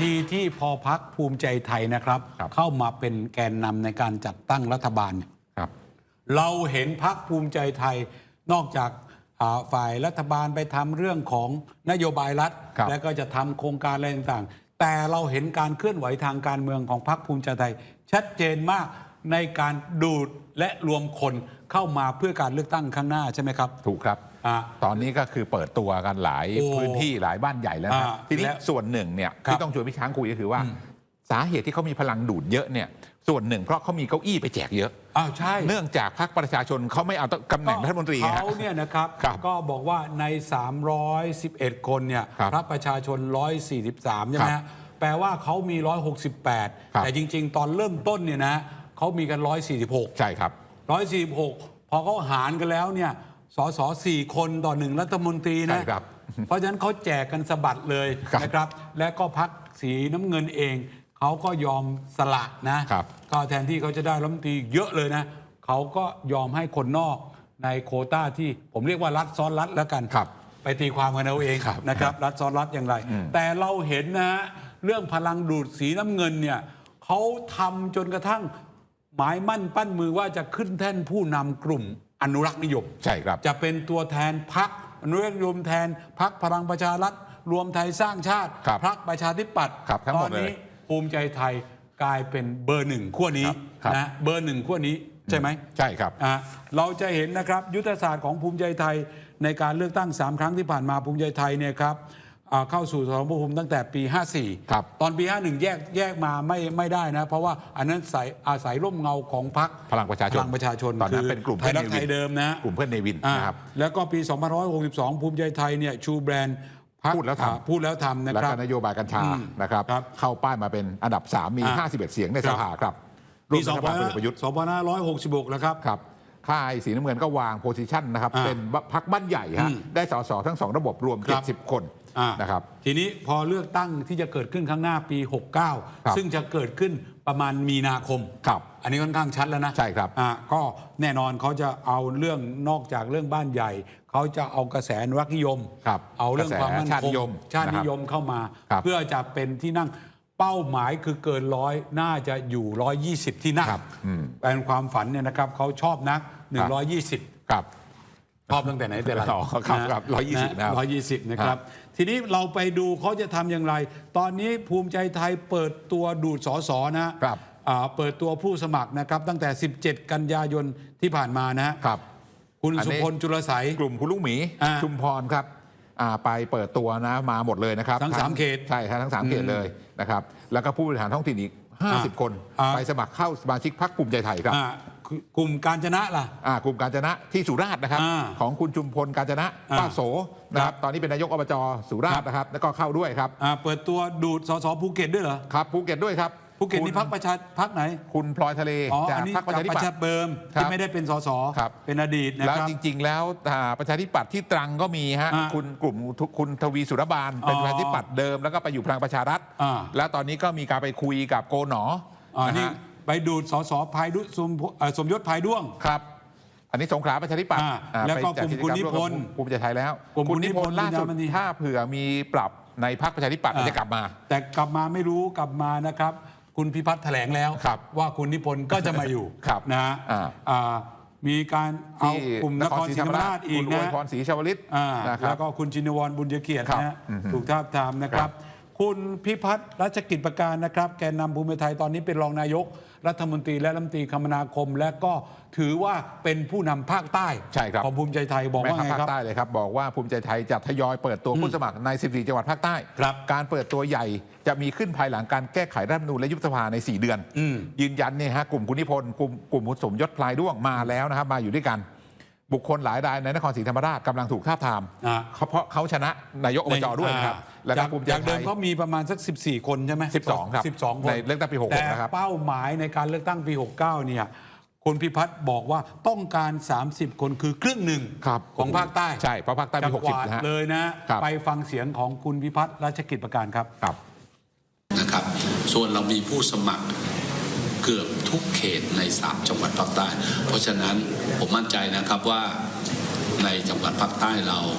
ทีที่พอพรรคภูมิใจไทยนะครับเข้ามาเป็นแกนนำในการจัดตั้งรัฐบาลเราเห็นพรรคภูมิใจไทยนอกจากฝ่ายรัฐบาลไปทำเรื่องของนโยบายรัฐและก็จะทำโครงการอะไรต่างๆแต่เราเห็นการเคลื่อนไหวทางการเมืองของพรรคภูมิใจไทยชัดเจนมากในการดูดและรวมคนเข้ามาเพื่อการเลือกตั้งข้างหน้าใช่ไหมครับถูกครับตอนนี้ก็คือเปิดตัวกันหลายพื้นที่หลายบ้านใหญ่แล้วนะทีนี้ส่วนหนึ่งเนี่ยที่ต้องชวนพี่ช้างคุยก็คือว่าสาเหตุที่เขามีพลังดูดเยอะเนี่ยส่วนหนึ่งเพราะเขามีเก้าอี้ไปแจกเยอะใช่เนื่องจากพรรคประชาชนเขาไม่เอาตำแหน่งรัฐมนตรีเขาเนี่ยนะครับก็บอกว่าใน311คนเนี่ยพรรคประชาชน143ใช่ไหมแปลว่าเขามี168แต่จริงๆตอนเริ่มต้นเนี่ยนะเขามีกัน146 ใช่ครับ 146พอเขาหารกันแล้วเนี่ยสส4คนต่อ1รัฐมนตรีนะเพราะฉะนั้นเขาแจกกันสะบัดเลยนะครับและก็พรรคสีน้ำเงินเองเขาก็ยอมสละนะก็แทนที่เขาจะได้รัฐมนตรีเยอะเลยนะเขาก็ยอมให้คนนอกในโควต้าที่ผมเรียกว่ารัฐซ้อนรัฐแล้วกันไปตีความกันเอาเองนะครับรัฐซ้อนรัฐอย่างไรแต่เราเห็นนะเรื่องพลังดูดสีน้ำเงินเนี่ยเขาทำจนกระทั่งหมายมั่นปั้นมือว่าจะขึ้นแท่นผู้นำกลุ่มอนุรักษ์นิยมใช่ครับจะเป็นตัวแทนพรรคอนุรักษ์นิยมแทนพรรคพลังประชารัฐรวมไทยสร้างชาติพรรคประชาธิปัตย์ตอนนี้ภูมิใจไทยกลายเป็นเบอร์หนึ่งขั้วนี้นะเบอร์หนึ่งขั้วนี้ใช่ไหมใช่ครับเราจะเห็นนะครับยุทธศาสตร์ของภูมิใจไทยในการเลือกตั้ง3ครั้งที่ผ่านมาภูมิใจไทยเนี่ยครับเข้าสู่สมรภูมิตั้งแต่ปี54ตอนปี51แยกมาไม่ได้นะเพราะว่าอันนั้นอาศัยร่มเงาของพรรคพลังประชาชนตอนนั้นเป็นกลุ่มไทยรักไทยเดิมนะกลุ่มเพื่อนเนวินนะครับแล้วก็ปี2562ภูมิใจไทยเนี่ยชูแบรนด์พูดแล้วทำนะครับแล้วก็นโยบายกัญชานะครับเข้าป้ายมาเป็นอันดับ3มี51เสียงในสภาครับปี2566แล้วครับค่ายสีน้ำเงินก็วางโพสิชันนะครับเป็นพรรคบ้านใหญ่ฮะได้สสทั้ง2ระบบรวม70คนนะครับทีนี้พอเลือกตั้งที่จะเกิดขึ้นข้างหน้าปี69ซึ่งจะเกิดขึ้นประมาณมีนาคมอันนี้ค่อนข้างชัดแล้วนะใช่ครับก็แน่นอนเขาจะเอาเรื่องนอกจากเรื่องบ้านใหญ่เขาจะเอากระแสอนุรักษ์นิยมเอาเรื่องความมั่นคงชาตินิยมเข้ามาเพื่อจะเป็นที่นั่งเป้าหมายคือเกิน100น่าจะอยู่120ที่นั่งเป็นความฝันเนี่ยนะครับเขาชอบนัก120ชอบตั้งแต่ไหนแต่ไรครับ120 นะครับทีนี้เราไปดูเขาจะทำอย่างไรตอนนี้ภูมิใจไทยเปิดตัวดูดสสนะครับเปิดตัวผู้สมัครนะครับตั้งแต่17กันยายนที่ผ่านมานะครับคุณสุพลจุลไสยกลุ่มคุณลุงหมีชุมพรครับไปเปิดตัวนะมาหมดเลยนะครับทั้ง3เขตใช่ครับทั้ง3เขตเลยนะครับแล้วก็ผู้บริหารท้องถิ่นอีก50คนไปสมัครเข้าสมาชิกพรรคภูมิใจไทยครับกลุ่มกาญจนะล่ะกลุ่มกาญจนะที่สุราษฎร์นะครับของคุณชุมพลกาญจนะป้าโสนะครับตอนนี้เป็นนายกอบจสุราษฎร์นะครับแล้วก็เข้าด้วยครับเปิดตัวดูดสสภูเก็ตด้วยเหรอครับภูเก็ตด้วยครับภูเก็ตนี่พรรคไหนคุณพลอยทะเลจากพรรคประชาธิปัตย์เบิร์มที่ไม่ได้เป็นสสเป็นอดีตนะครับแล้วจริงๆแล้วประชาธิปัตย์ที่ตรังก็มีฮะคุณกลุ่มคุณทวีสุรบาลเป็นประชาธิปัตย์เดิมแล้วก็ไปอยู่พลังประชารัฐแล้วตอนนี้ก็มีการไปคุยกับโกหนอนี่ไปดูดสสภายดุสมยศภายด้วงครับอันนี้สงขลาประชาธิปัตย์แล้วก็กลุ่มคุณนิพนธ์ภูมิใจไทยแล้วคุณนิพนธ์ล่าสุดถ้าเผื่อมีปรับในพรรคประชาธิปัตย์จะกลับมาแต่กลับมาไม่รู้กลับมานะครับคุณพิพัฒน์แถลงแล้วว่าคุณนิพนธ์ก็จะมาอยู่นะมีการเอากลุ่มนครศรีธรรมราชอีกนะพรศรีชาวลิตแล้วก็คุณชินวรบุญเกียรตินะถูกท้าทามนะครับคุณพิพัฒน์รัชกิจประการนะครับแกนนำภูมิใจไทยตอนนี้เป็นรองนายกรัฐมนตรีและรัฐมนตรีคมนาคมและก็ถือว่าเป็นผู้นำภาคใต้ของภูมิใจไทยบอกว่าไงครับภาคใต้เลยครับบอกว่าภูมิใจไทยจะทยอยเปิดตัวผู้สมัครใน14จังหวัดภาคใต้การเปิดตัวใหญ่จะมีขึ้นภายหลังการแก้ไขรัฐธรรมนูญและยุบสภาใน4เดือนยืนยันเนี่ยฮะกลุ่มคุณนิพนธ์กลุ่มสมยศพลายด้วงมาแล้วนะครับมาอยู่ด้วยกันบุคคลหลายรายในนครศรีธรรมราชกำลังถูกทาบทามเพราะเขาชนะนายกอบจด้วยนะครับและภูมิใจไทยเดิมเขามีประมาณสัก14คนใช่ไหม 12ครับ 12คนในเลือกตั้งปี66นะครับแต่เป้าหมายในการเลือกตั้งปี69เนี่ยคุณพิพัฒน์บอกว่าต้องการ30คนคือครึ่งหนึ่งของภาคใต้ใช่เพราะภาคใต้มี60นะเลยนะไปฟังเสียงของคุณพิพัฒน์รัชกิจประการครับนะครับส่วนเรามีผู้สมัครเกือบทุกเขตใน3จังหวัดภาคใต้เพราะฉะนั้นผมมั่นใจนะครับว่าในจังหวัดภาคใต้เรา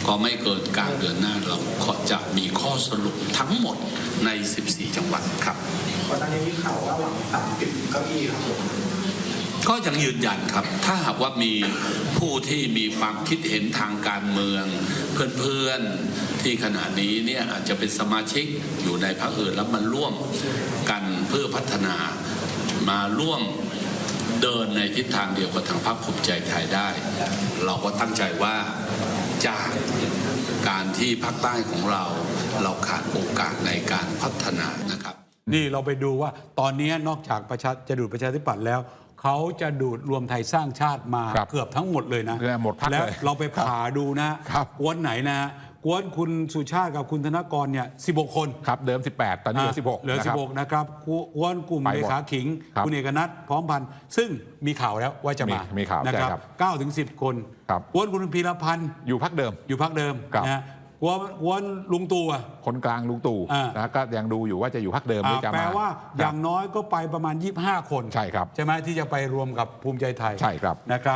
ก็ไม่เกินกลางเดือนหน้าเราก็จะมีข้อสรุปทั้งหมดใน 14 จังหวัดครับก่อนหน้านี้มีข่าวว่าหวัง30เก้าอี้ครับผมก็ยังยืนยันครับถ้าหากว่ามีผู้ที่มีความคิดเห็นทางการเมืองเพื่อนๆที่ขณะนี้เนี่ยอาจจะเป็นสมาชิกอยู่ในพรรคอื่นแล้วมันร่วมกันเพื่อพัฒนามาร่วมเดินในทิศทางเดียวกับทางพรรคภูมิใจไทยได้เราก็ตั้งใจว่าจากการที่ภาคใต้ของเราขาดโอกาสในการพัฒนานะครับนี่เราไปดูว่าตอนนี้นอกจากจะดูดประชาธิปัตย์แล้วเขาจะดูดรวมไทยสร้างชาติมาเกือบทั้งหมดเลยนะหมดพักเลยแล้วเราไปผ่าดูนะกวนไหนนะกวนคุณสุชาติกับคุณธนกรเนี่ย16 คนครับเดิม18ตอนนี้เหลือ 16นะครับกวนกลุ่มเลขาขิงคุณเอกนัทพร้อมพันธ์ซึ่งมีข่าวแล้วว่าจะมามีข่าวนะครับ9 ถึง 10 คนกวนคุณพีรพันธ์อยู่พรรคเดิมนะกวนลุงตู่คนกลางลุงตู่นะก็ยังดูอยู่ว่าจะอยู่พรรคเดิมหรือจะมาแปลว่าอย่างน้อยก็ไปประมาณ25 คนใช่ครับใช่ไหมที่จะไปรวมกับภูมิใจไทยใช่ครับนะครับ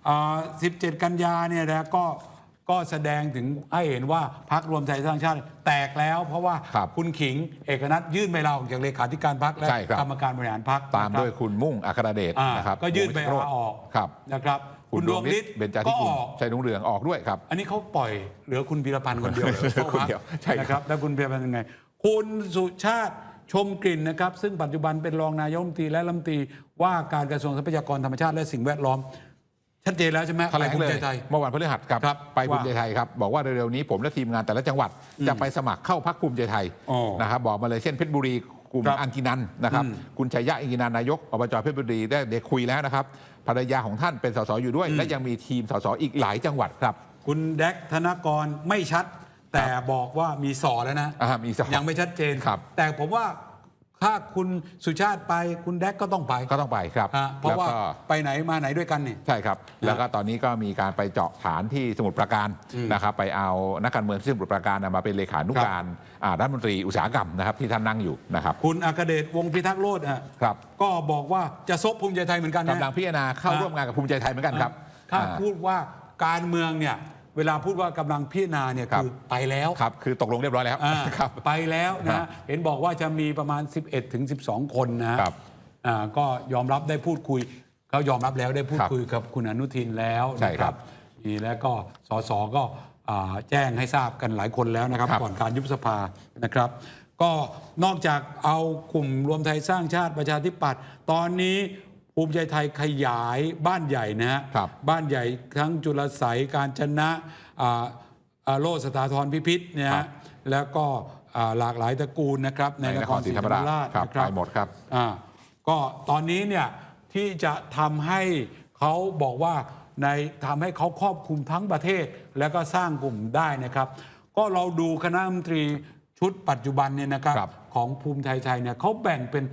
17 กันยาเนี่ยนะก็แสดงถึงให้เห็นว่าพรรครวมไทยสร้างชาติแตกแล้วเพราะว่าคุณขิงเอกนัทยื่นใบลาออกจากเลขาธิการพรรคและกรรมการบริหารพรรคตามด้วยคุณมุ่งอัครเดชนะครับก็ยื่นใบลาออกนะครับคุณดวงฤทธิ์ก็ออกชัยรุ่งเรืองออกด้วยครับอันนี้เขาปล่อยเหลือคุณพีรพันธ์คนเดียวนะครับแล้วคุณพีรพันธ์ยังไงคุณสุชาติชมกลิ่นนะครับซึ่งปัจจุบันเป็นรองนายกรัฐมนตรีและรัฐมนตรีว่าการกระทรวงทรัพยากรธรรมชาติและสิ่งแวดล้อมชัดเจนแล้วใช่ไหมแถลงเลยเมื่อวันพฤหัสครับไปภูมิใจไทยครับบอกว่าเร็วๆนี้ผมและทีมงานแต่ละจังหวัดจะไปสมัครเข้าพรรคภูมิใจไทยนะครับบอกมาเลยเช่นเพชรบุรีกลุ่มอังกินันนะครับคุณชัยยะอังกินันนายกอบจเพชรบุรีได้คุยแล้วนะครับภรรยาของท่านเป็นสสอยู่ด้วยและยังมีทีมสสอีกหลายจังหวัดครับคุณแดกธนกรไม่ชัดแต่บอกว่ามีสอแล้วนะยังไม่ชัดเจนแต่ผมว่าถ้าคุณสุชาติไปคุณแดกก็ต้องไปครับเพราะว่าไปไหนมาไหนด้วยกันนี่ใช่ครับแล้วก็ตอนนี้ก็มีการไปเจาะฐานที่สมุทรปราการนะครับไปเอานักการเมืองที่สมุทรปราการมาเป็นเลขานุการรัฐมนตรีอุตสาหกรรมนะครับที่ท่านนั่งอยู่นะครับคุณอัครเดชวงศ์พิทักษ์โลดครับก็บอกว่าจะซบภูมิใจไทยเหมือนกันกำลังพิจารณาเข้าร่วมงานกับภูมิใจไทยเหมือนกันครับถ้าพูดว่าการเมืองเนี่ยเวลาพูดว่ากำลังพิจารณาเนี่ยคือไปแล้วครับคือตกลงเรียบร้อยแล้วครับไปแล้วนะเห็นบอกว่าจะมีประมาณ11 ถึง 12 คนนะครับก็ยอมรับได้พูดคุยเขายอมรับแล้วได้พูดคุยกับคุณอนุทินแล้วนะครับแล้วก็สสก็แจ้งให้ทราบกันหลายคนแล้วนะครับก่อนการยุบสภานะครับก็นอกจากเอากลุ่มรวมไทยสร้างชาติประชาธิปัตย์ตอนนี้ภูมิใจไทยขยายบ้านใหญ่นะฮะบ้านใหญ่ทั้งจุลไสยกาญจนะโลสถาธรพิพิธเนี่ยแล้วก็หลากหลายตระกูลนะครับในนครศรีธรรมราชไปหมดครับก็ตอนนี้เนี่ยที่จะทำให้เขาบอกว่าทำให้เขาครอบคลุมทั้งประเทศแล้วก็สร้างกลุ่มได้นะครับก็เราดูคณะรัฐมนตรีชุดปัจจุบันเนี่ยนะครับของภูมิใจไทยเนี่ยเขาแบ่งเป็น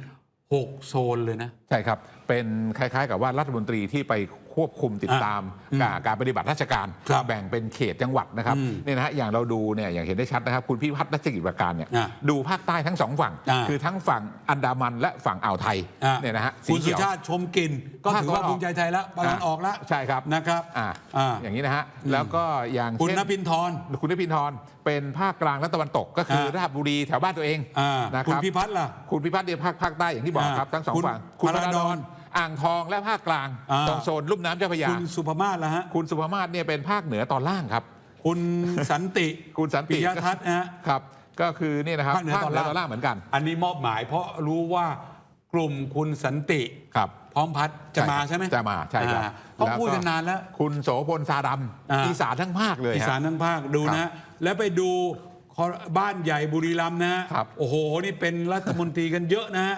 6 โซนเลยนะใช่ครับเป็นคล้ายๆกับว่ารัฐมนตรีที่ไปควบคุมติดตามการปฏิบัติราชการแบ่งเป็นเขตจังหวัดนะครับนี่นะฮะอย่างเราดูเนี่ยอย่างเห็นได้ชัดนะครับคุณพิพัฒน์รัชกิจประการเนี่ยดูภาคใต้ทั้ง2 ฝั่งคือทั้งฝั่งอันดามันและฝั่งอ่าวไทยเนี่ยนะฮะคุณสุชาติชมกลิ่นก็ถือว่าภูมิใจไทยแล้วตอนออกแล้วใช่ครับนะครับอย่างนี้นะฮะแล้วก็อย่างคุณนภินทร์เป็นภาคกลางและตะวันตกก็คือราชบุรีแถวบ้านตัวเองนะครับคุณพิพัฒน์ล่ะคุณพิพัฒน์เนี่ยภาคใต้อย่างที่บอกครับทั้ง2 ฝั่งคุณพระดอนอ่างทองและภาคกลางตรงโซนลุ่มน้ำเจ้าพระยาคุณสุภมาศล่ะฮะคุณสุภมาศเนี่ยเป็นภาคเหนือตอนล่างครับคุณสันติปิยทัศน์ครับก็คือนี่นะครับภาคเหนือตอนล่างเหมือนกันอันนี้มอบหมายเพราะรู้ว่ากลุ่มคุณสันติพร้อมพัฒน์จะมาใช่ไหมจะมาใช่ครับเขาพูดกันนานแล้วคุณโสพลซาดำอีสานทั้งภาคเลยอีสานทั้งภาคดูนะแล้วไปดูบ้านใหญ่บุรีรัมย์นะโอ้โหนี่เป็นรัฐมนตรีกันเยอะนะ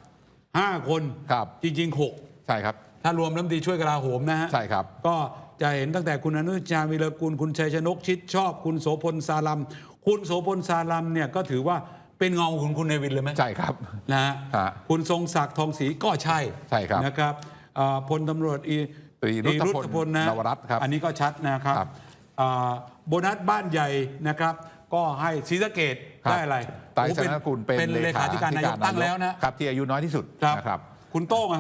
5 คนจริงๆ6 ใช่ครับถ้ารวมรัฐมนตรีช่วยกลาโหมนะฮะใช่ครับก็จะเห็นตั้งแต่คุณอนุชาวิรกุลคุณชัยชนกชิดชอบคุณโสพลซาลัมคุณโสพลซาลัมเนี่ยก็ถือว่าเป็นเงาของคุณเนวินเลยไหมใช่ครับนะฮะคุณทรงศักดิ์ทองศรีก็ใช่ครับนะครับพลตำรวจตรีรุตพลนะอันนี้ก็ชัดนะครับโบนัสบ้านใหญ่นะครับก็ให้ศรีสะเกษได้อะไรไตรสนกุลเป็นเลขาธิการนายกตั้งแล้วนะครับที่อายุน้อยที่สุดนะครับคุณโต้งอะฮะค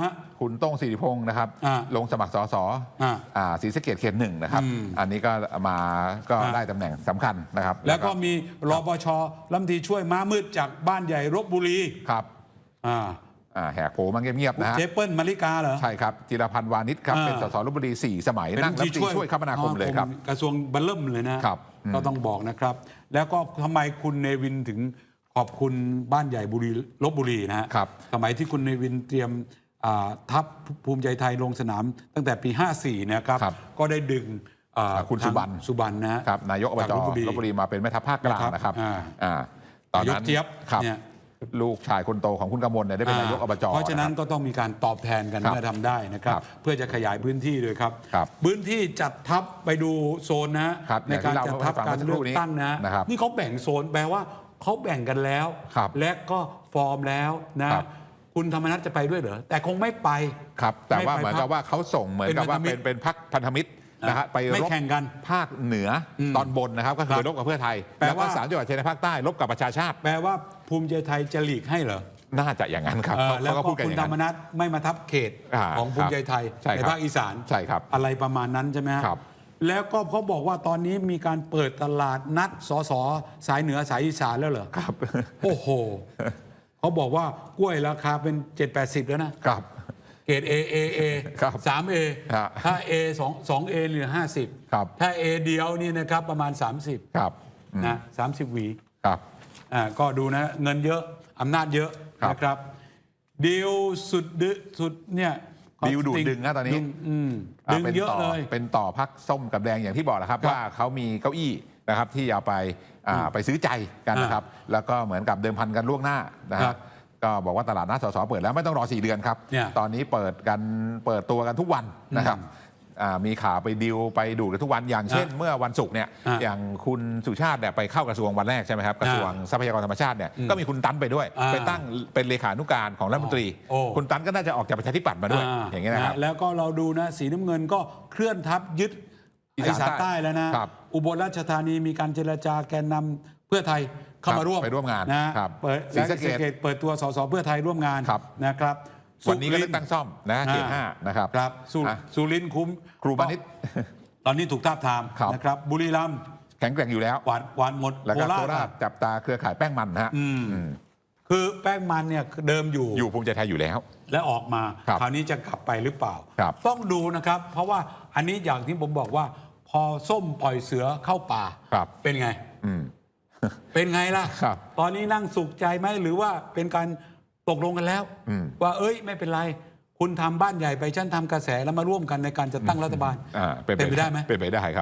คุณโต้งศิริพงศ์นะครับ ลงสมัครสสศรีสะเกษเขต 1นะครับอันนี้ก็มาก็ได้ตำแหน่งสำคัญนะครับแล้วก็มีรปช.รัฐมนตรีช่วยม้ามืดจากบ้านใหญ่ลพบุรีครับแหกโผมาเงียบๆนะฮะเจเปิ้ลมาริกาเหรอใช่ครับจิรพันธ์วานิชครับเป็นสสลพบุรี4 สมัยนั่งรัฐมนตรีช่วยคมนาคมเลยครับกระทรวงบัลเลิ่มเลยนะครับก็ต้องบอกนะครับ แล้วก็ทำไมคุณเนวินถึงขอบคุณบ้านใหญ่ลพบุรีนะฮะสมัยที่คุณเนวินเตรียมทัพภูมิใจไทยลงสนามตั้งแต่ปี 54นะครับก็ได้ดึงคุณสุบรรณนะครับนายกอบจลพบุรีมาเป็นแม่ทัพภาคกลางนะครับตอนนั้นเจี๊ยบเนี่ยลูกชายคนโตของคุณกมลเนี่ยได้เป็นนายกอบจเพราะฉะนั้นก็ต้องมีการตอบแทนกันเมื่อทำได้นะครับเพื่อจะขยายพื้นที่ด้วยครับพื้นที่จัดทัพไปดูโซนนะในการจัดทัพการเลือกตั้งนะนี่เขาแบ่งโซนแปลว่าเขาแบ่งกันแล้วและก็ฟอร์มแล้วนะคุณธรรมนัสจะไปด้วยเหรอแต่คงไม่ไปครับแต่ว่าเหมือนกับว่าเขาส่งเหมือนกับว่าเป็นพรรคพันธมิตรนะฮะไปรบแข่งกันภาคเหนือตอนบนนะครับก็คือรบกับเพื่อไทยแล้วก็3 จังหวัดชายแดนภาคใต้รบกับประชาชาติแปลว่าภูมิใจไทยจะหลีกให้เหรอน่าจะอย่างนั้นครับแล้วก็คุณธรรมนัสไม่มาทับเขตของภูมิใจไทยในภาคอีสานใช่ครับอะไรประมาณนั้นใช่ไหมครับแล้วก็เขาบอกว่าตอนนี้มีการเปิดตลาดนัดสสสายเหนือสายอีสานแล้วเหรอครับโอ้โหเขาบอกว่ากล้วยราคาเป็น 7-80 แล้วนะครับเกรด A 3A ถ้า A 2A เหลือ50ถ้า A เดียวนี่นะครับประมาณ30 ครับนะ30 หวีครับก็ดูนะเงินเยอะอำนาจเยอะนะครับดีลสุดเนี่ยดิวดูดดึงนะตอนนี้ดึงเยอะเลยเป็นต่อพักส้มกับแดงอย่างที่บอกแล้วครับว่าเขามีเก้าอี้นะครับที่เอาไปซื้อใจกันนะครับแล้วก็เหมือนกับเดิมพันกันล่วงหน้านะครับก็บอกว่าตลาดนัดสสเปิดแล้วไม่ต้องรอ4 เดือนครับตอนนี้เปิดตัวกันทุกวันนะครับมีข่าวไปดิวไปดูกันทุกวันอย่างเช่นเมื่อวันศุกร์เนี่ยอย่างคุณสุชาติเนี่ยไปเข้ากระทรวงวันแรกใช่ไหมครับกระทรวงทรัพยากรธรรมชาติเนี่ยก็มีคุณตันไปด้วยไปตั้งเป็นเลขานุการของรัฐมนตรีคุณตันก็น่าจะออกจากประชาธิปัตย์มาด้วยอย่างเงี้ยนะครับแล้วก็เราดูนะสีน้ำเงินก็เคลื่อนทัพยึดอีสานใต้แล้วนะอุบลราชธานีมีการเจรจาแกนนำเพื่อไทยเข้ามาร่วมไปร่วมงานนะครับศรีสะเกษเปิดตัวสสเพื่อไทยร่วมงานนะครับวันนี้ก็เลือกตั้งซ่อมนะเขต 5นะครับสุรินทร์คุ้มครูบานิชตอนนี้ถูกทาบทามนะครับบุรีรัมย์แข็งแกร่งอยู่แล้วหวานหมดแล้วก็โคราชจับตาเครือข่ายแป้งมันฮะคือแป้งมันเนี่ยเดิมอยู่ภูมิใจไทยอยู่แล้วและออกมาคราวนี้จะกลับไปหรือเปล่าต้องดูนะครับเพราะว่าอันนี้อย่างที่ผมบอกว่าพอส้มปล่อยเสือเข้าป่าเป็นไงเป็นไงล่ะตอนนี้นั่งสุขใจไหมหรือว่าเป็นการตกลงกันแล้วว่าไม่เป็นไรคุณทำบ้านใหญ่ไปฉันทำกระแสแล้วมาร่วมกันในการจะตั้งรัฐบาลเป็นไปได้ไหมเป็นไปได้ครับ